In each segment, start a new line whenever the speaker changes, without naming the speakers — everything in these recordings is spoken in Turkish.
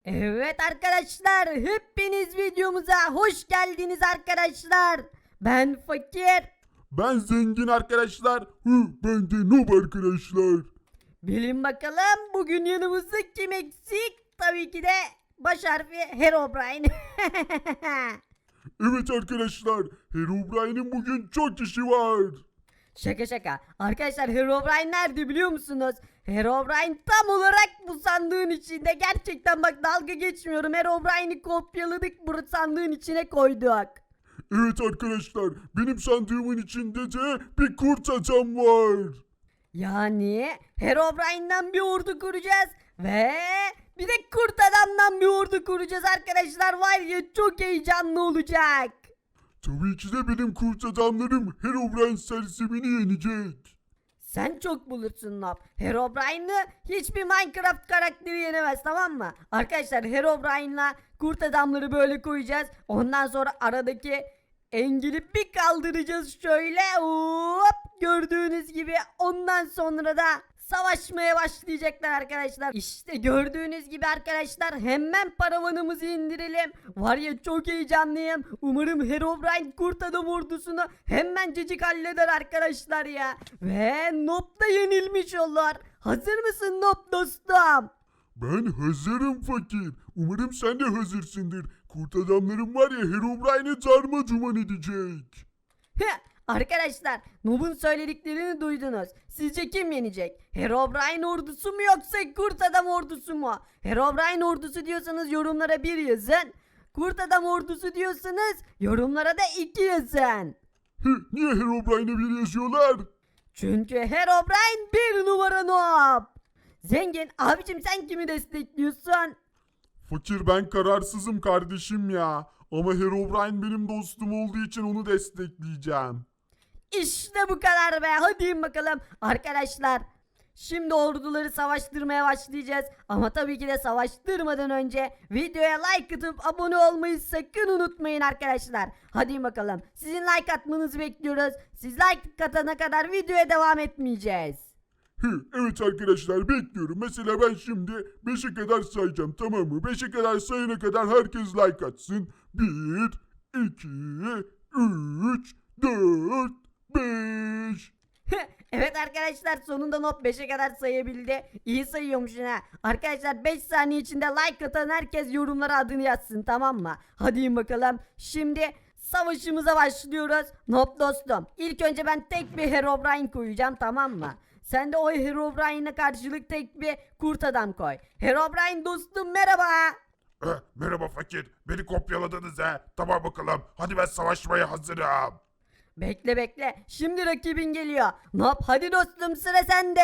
Evet arkadaşlar, hepiniz videomuza hoş geldiniz arkadaşlar. Ben Fakir.
Ben zengin arkadaşlar. Ben de noob arkadaşlar.
Bilin bakalım bugün yanımızda kim eksik? Tabii ki de baş harfi Herobrine.
Evet arkadaşlar. Herobrine'in bugün çok işi var.
Şaka şaka. Arkadaşlar Herobrine nerede biliyor musunuz? Herobrine tam olarak bu sandığın içinde. Gerçekten bak dalga geçmiyorum. Herobrine'i kopyaladık, bu sandığın içine koyduk.
Evet arkadaşlar. Benim sandığımın içinde de bir kurt adam var.
Yani Herobrine'den bir ordu kuracağız ve bir de kurt adamdan bir ordu kuracağız arkadaşlar. Var ya, çok heyecanlı olacak.
Tabii ki de benim kurt adamlarım Herobrine sersemini yenecek.
Sen çok bulursun Nob. Herobrine'ı hiçbir Minecraft karakteri yenemez, tamam mı? Arkadaşlar Herobrine'la kurt adamları böyle koyacağız. Ondan sonra aradaki engeli bir kaldıracağız şöyle. Hop, gördüğünüz gibi ondan sonra da savaşmaya başlayacaklar arkadaşlar. İşte gördüğünüz gibi arkadaşlar, hemen paravanımızı indirelim. Var ya, çok heyecanlıyım. Umarım Herobrine kurt adam ordusunu hemencecik halleder arkadaşlar ya. Ve Nob da yenilmiş olur. Hazır mısın Nob dostum?
Ben hazırım fakir. Umarım sen de hazırsındır. Kurt adamlarım var ya Herobrine'i darma duman edecek.
Arkadaşlar, Nob'un söylediklerini duydunuz. Sizce kim yenecek? Herobrine ordusu mu yoksa kurt adam ordusu mu? Herobrine ordusu diyorsanız yorumlara 1 yazın. Kurt adam ordusu diyorsanız yorumlara da 2 yazın.
Niye Herobrine'e bir yazıyorlar?
Çünkü Herobrine 1 numara Nob. Zengin abicim, sen kimi destekliyorsun?
Fakir ben kararsızım kardeşim ya. Ama Herobrine benim dostum olduğu için onu destekleyeceğim.
İşte bu kadar be. Hadi bakalım arkadaşlar. Şimdi orduları savaştırmaya başlayacağız. Ama tabii ki de savaştırmadan önce videoya like atıp abone olmayı sakın unutmayın arkadaşlar. Hadi bakalım. Sizin like atmanızı bekliyoruz. Siz like atana kadar videoya devam etmeyeceğiz.
Evet arkadaşlar bekliyorum. Mesela ben şimdi 5'e kadar sayacağım, tamam mı? 5'e kadar sayana kadar herkes like atsın. 1, 2, 3, 4, 5.
Evet arkadaşlar, sonunda Nob 5'e kadar sayabildi. İyi sayıyormuşsun ha. Arkadaşlar 5 saniye içinde like atan herkes yorumlara adını yazsın, tamam mı? Hadi bakalım. Şimdi savaşımıza başlıyoruz. Nob dostum, İlk önce ben tek bir Herobrine koyacağım, tamam mı? Sen de o Herobrine'e karşılık tek bir kurt adam koy. Herobrine dostum, merhaba.
Merhaba fakir. Beni kopyaladınız he. Tamam bakalım. Hadi ben savaşmaya hazırım.
Bekle bekle. Şimdi rakibin geliyor. Nob hadi dostum, sıra sende.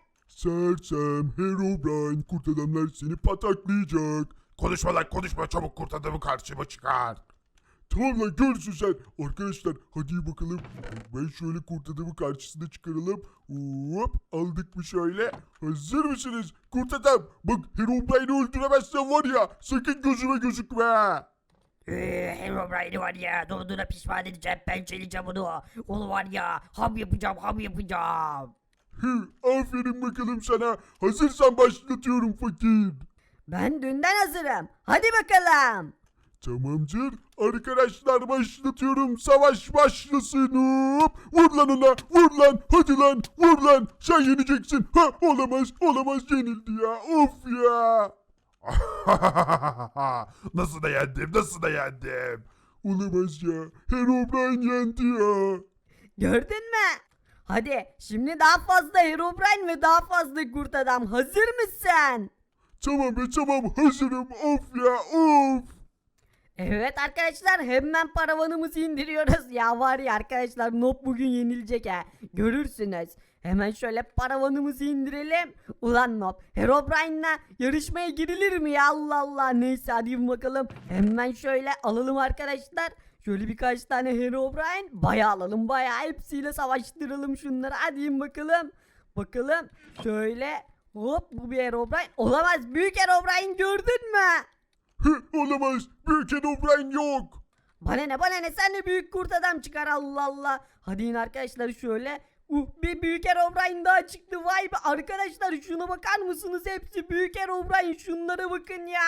Sersem Herobrine kurt adamlar seni pataklayacak. Konuşma lan konuşma, çabuk kurt adamı karşıma çıkar. Tamam lan, görsün sen. Arkadaşlar hadi bakalım. Ben şöyle kurt adamı karşısına çıkaralım. Hop, aldık mı şöyle. Hazır mısınız? Kurt adam bak, Herobrine'i öldüremezsen var ya sakın gözüme gözükme.
Herobrine var ya, doğduğuna pişman edeceğim, pençeleyeceğim onu. Onu var ya, ham yapacağım, ham yapacağım.
Aferin bakalım sana. Hazırsan başlatıyorum fakir.
Ben dünden hazırım. Hadi bakalım.
Tamamdır. Arkadaşlar başlatıyorum. Savaş başlasın. Hop. Vur lan ona. Vur lan. Hadi lan. Vur lan. Sen yeneceksin. Ha, olamaz. Olamaz, yenildi ya. Of ya. Nasıl da yendim? Nasıl da yendim? Olamaz ya. Herobrine yendi ya.
Gördün mü? Hadi şimdi daha fazla Herobrine ve daha fazla kurt adam. Hazır mısın?
Tamam be, tamam, hazırım. Of ya. Of.
Evet arkadaşlar, hemen paravanımızı indiriyoruz. Ya var ya arkadaşlar, Nob bugün yenilecek ha. Görürsünüz. Hemen şöyle paravanımızı indirelim. Ulan Nob, Herobrine'la yarışmaya girilir mi ya? Allah Allah. Neyse hadi bakalım. Hemen şöyle alalım arkadaşlar. Şöyle birkaç tane Herobrine. Bayağı alalım, bayağı. Hepsiyle savaştıralım şunları. Hadi bakalım. Bakalım. Şöyle. Hop, bu bir Herobrine. Olamaz. Büyük Herobrine gördün mü?
Olamaz. Büyük Herobrine yok.
Bana ne, bana ne, sen de büyük kurt adam çıkar, Allah Allah. Hadi yine arkadaşlar şöyle. Bir büyük Herobrine daha çıktı. Vay be arkadaşlar şuna bakar mısınız? Hepsi büyük Herobrine. Şunlara bakın ya.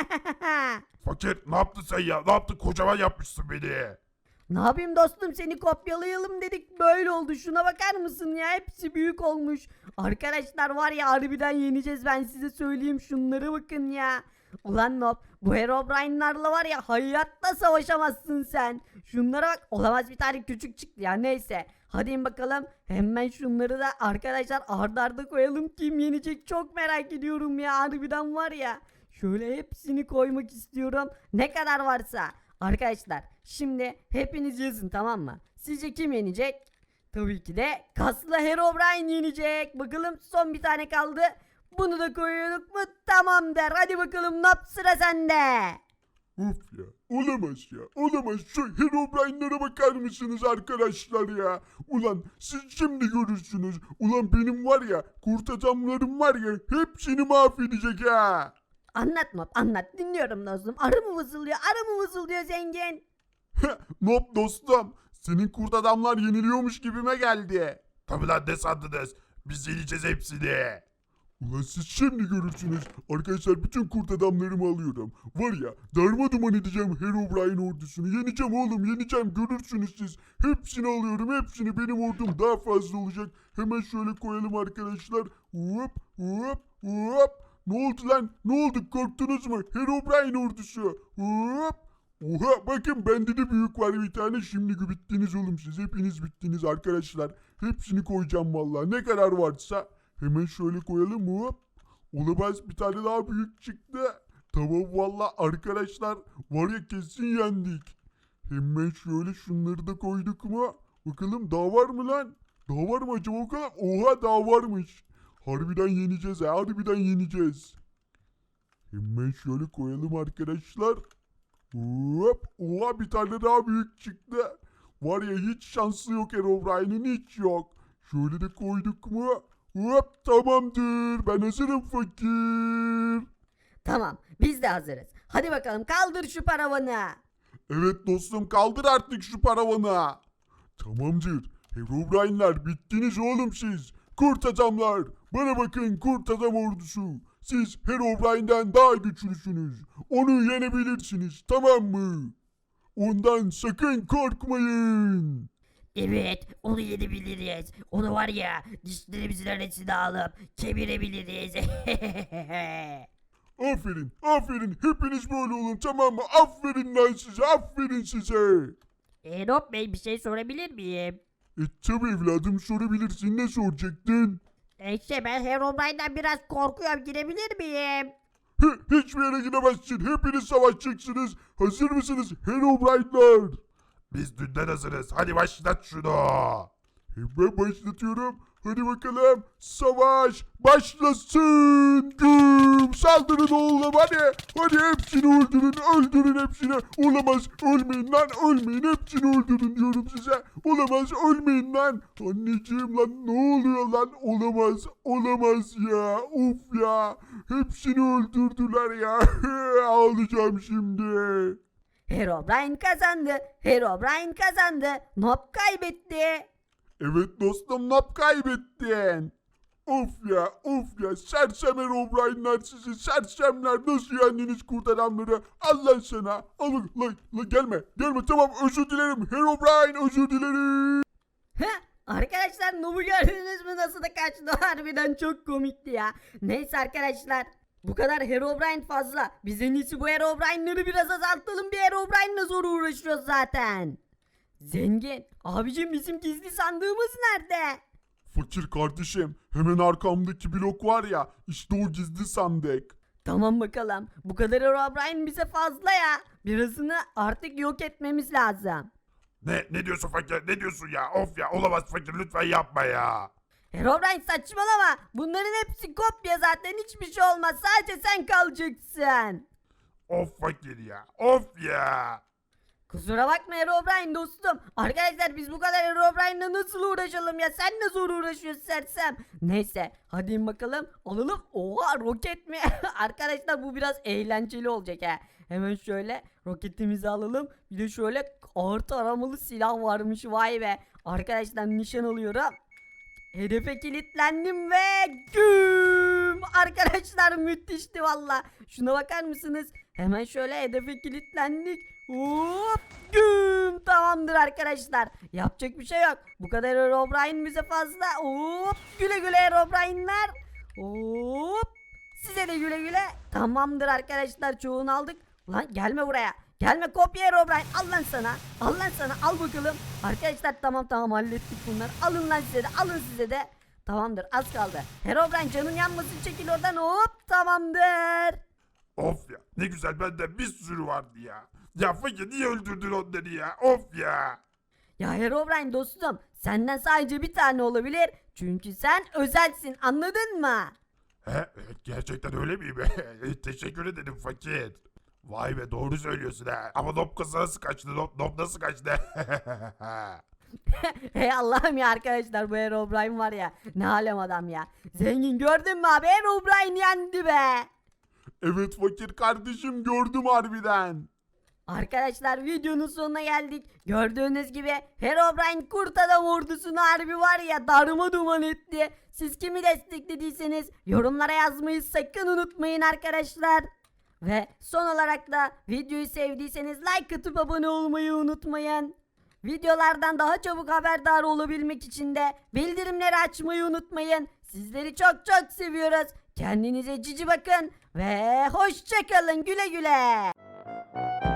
Fakir ne yaptın sen ya? Ne yaptın? Kocaman yapmışsın beni.
Ne yapayım dostum, seni kopyalayalım dedik, böyle oldu. Şuna bakar mısın ya, hepsi büyük olmuş. Arkadaşlar var ya, harbiden yeneceğiz, ben size söyleyeyim, şunlara bakın ya. Ulan Nob, bu Herobrine'larla var ya hayatta savaşamazsın sen. Şunlara bak, olamaz, bir tane küçük çıktı ya, neyse. Hadi in bakalım, hemen şunları da arkadaşlar arda arda koyalım, kim yenecek çok merak ediyorum ya, harbiden var ya. Şöyle hepsini koymak istiyorum, ne kadar varsa. Arkadaşlar şimdi hepiniz yazın, tamam mı? Sizce kim yenecek? Tabii ki de kaslı Herobrine yenecek. Bakalım son bir tane kaldı. Bunu da koyuyorduk mu? Tamam der. Hadi bakalım Nap, sıra sende.
Of ya, olamaz ya, olamaz. Şu Herobrine'lara bakar mısınız arkadaşlar ya? Ulan siz şimdi görürsünüz. Ulan benim var ya, kurt adamlarım var ya, hepsini mahvedecek ha.
Anlat Nap, anlat, dinliyorum dostum. Arı mı vızıldıyor, arı mı vızıldıyor zengin?
Nop dostum, senin kurt adamlar yeniliyormuş gibime geldi. Tabi lan, ne sandınız? Biz yeneceğiz hepsini. Ulan siz şimdi görürsünüz. Arkadaşlar bütün kurt adamlarımı alıyorum. Var ya, darma duman edeceğim Herobrine ordusunu. Yeneceğim oğlum, yeneceğim, görürsünüz siz. Hepsini alıyorum, hepsini, benim ordum daha fazla olacak. Hemen şöyle koyalım arkadaşlar. Hop hop hop. Ne oldu lan? Ne oldu? Korktunuz mu? Herobrine ordusu. Hop. Oha, bakın bende de büyük var bir tane. Şimdi bittiniz oğlum siz. Hepiniz bittiniz arkadaşlar. Hepsini koyacağım vallahi. Ne kadar varsa. Hemen şöyle koyalım. Hop. Olamaz, bir tane daha büyük çıktı. Tamam vallahi arkadaşlar. Var ya, kesin yendik. Hemen şöyle şunları da koyduk mu? Bakalım daha var mı lan? Daha var mı acaba o kadar? Oha, daha varmış. Harbiden yeneceğiz ha. Harbiden yeneceğiz. Hemen şöyle koyalım arkadaşlar. Hop. Oha, bir tane daha büyük çıktı. Var ya, hiç şansı yok Herobrine'in, hiç yok. Şöyle de koyduk mu? Hop, tamamdır. Ben hazırım fakir.
Tamam, biz de hazırız. Hadi bakalım, kaldır şu paravanı.
Evet dostum, kaldır artık şu paravanı. Tamamdır. Herobrine'ler bittiniz oğlum siz. Kurt adamlar. Bana bakın kurt adam ordusu. Siz Herobrine'den daha güçlüsünüz. Onu yenebilirsiniz, tamam mı? Ondan sakın korkmayın.
Evet, onu yenebiliriz. Onu var ya, dişlerimizin arasına alıp kemirebiliriz.
Aferin, aferin. Hepiniz böyle olun, tamam mı? Aferin lan size, aferin size.
Nop Bey, bir şey sorabilir miyim?
Tabi evladım, sorabilirsin. Ne soracaktın?
Ben Herobrine'den biraz korkuyorum, girebilir miyim?
Hiçbir yere gidemezsin. Hepiniz savaşacaksınız. Hazır mısınız Herobrine'lar? Biz dünden hazırız. Hadi başlat şunu. Hemen başlatıyorum. Hadi bakalım. Savaş başlasın. Güm. Saldırın oğlum hadi. Hadi hepsini öldürün. Öldürün hepsini. Olamaz. Ölmeyin lan. Ölmeyin. Hepsini öldürün diyorum size. Olamaz. Ölmeyin lan. Anneciğim lan, ne oluyor lan? Olamaz. Olamaz ya. Of ya. Hepsini öldürdüler ya. Ağlayacağım şimdi.
Herobrine kazandı. Herobrine kazandı. Nop kaybetti.
Evet dostum, nap kaybettin. Of ya, of ya, sersem Herobrine'ler sizi, sersemler, nasıl yendiniz kurt adamları? Allah sana, alın, gelme, tamam, özür dilerim Herobrine, özür dilerim.
Heh, arkadaşlar Nob'u gördünüz mü, nasıl da kaçtı? Harbiden çok komikti ya. Neyse arkadaşlar, bu kadar Herobrine fazla. Biz en iyisi bu Herobrine'ları biraz azaltalım. Bir Herobrine'la zor uğraşıyoruz zaten. Zengin abicim, bizim gizli sandığımız nerede?
Fakir kardeşim, hemen arkamdaki blok var ya, işte o gizli sandık.
Tamam bakalım, bu kadar Herobrine bize fazla ya. Birazını artık yok etmemiz lazım.
Ne diyorsun fakir, ne diyorsun ya? Of ya, olamaz fakir, lütfen yapma ya.
Herobrine saçmalama. Bunların hepsi kopya zaten, hiçbir şey olmaz. Sadece sen kalacaksın.
Of fakir ya, of ya.
Kusura bakma Herobrine dostum. Arkadaşlar biz bu kadar Herobrine'la nasıl uğraşalım ya? Sen de zor uğraşıyorsun sersem. Neyse hadi in bakalım. Alalım. Oha, roket mi? Arkadaşlar bu biraz eğlenceli olacak ha. Hemen şöyle roketimizi alalım. Bir de şöyle ağır taramalı silah varmış, vay be. Arkadaşlar nişan alıyorum. Hedefe kilitlendim ve güm! Arkadaşlar müthişti valla. Şuna bakar mısınız? Hemen şöyle hedefe kilitlendik. Hop! Güm! Tamamdır arkadaşlar. Yapacak bir şey yok. Bu kadar Herobrine bize fazla. Hop! Güle güle Herobrine'ler. Hop! Size de güle güle. Tamamdır arkadaşlar, çoğunu aldık. Lan gelme buraya. Gelme kopya Herobrine. Al lan sana. Al lan sana. Al bakalım. Arkadaşlar tamam hallettik bunları. Alın lan size de. Alın size de. Tamamdır, az kaldı. Herobrine canın yanmasın, çekil oradan. Hop, tamamdır.
Of ya, ne güzel, bende bir sürü vardı ya. Ya fakir, niye öldürdün onları ya? Of ya.
Ya Herobrine dostum, senden sadece bir tane olabilir. Çünkü sen özelsin, anladın mı?
He, gerçekten öyle miyim? Teşekkür ederim fakir. Vay be, doğru söylüyorsun ha. Ama Nob nasıl kaçtı? Nob nasıl kaçtı?
Hey Allah'ım ya, arkadaşlar bu Herobrine var ya, ne alem adam ya. Zengin, gördün mü abi, Herobrine yendi be.
Evet fakir kardeşim, gördüm harbiden.
Arkadaşlar videonun sonuna geldik. Gördüğünüz gibi Herobrine kurt adam ordusunu harbi var ya darma duman etti. Siz kimi desteklediyseniz yorumlara yazmayı sakın unutmayın arkadaşlar. Ve son olarak da videoyu sevdiyseniz like atıp abone olmayı unutmayın. Videolardan daha çabuk haberdar olabilmek için de bildirimleri açmayı unutmayın. Sizleri çok seviyoruz. Kendinize cici bakın ve hoşça kalın, güle güle.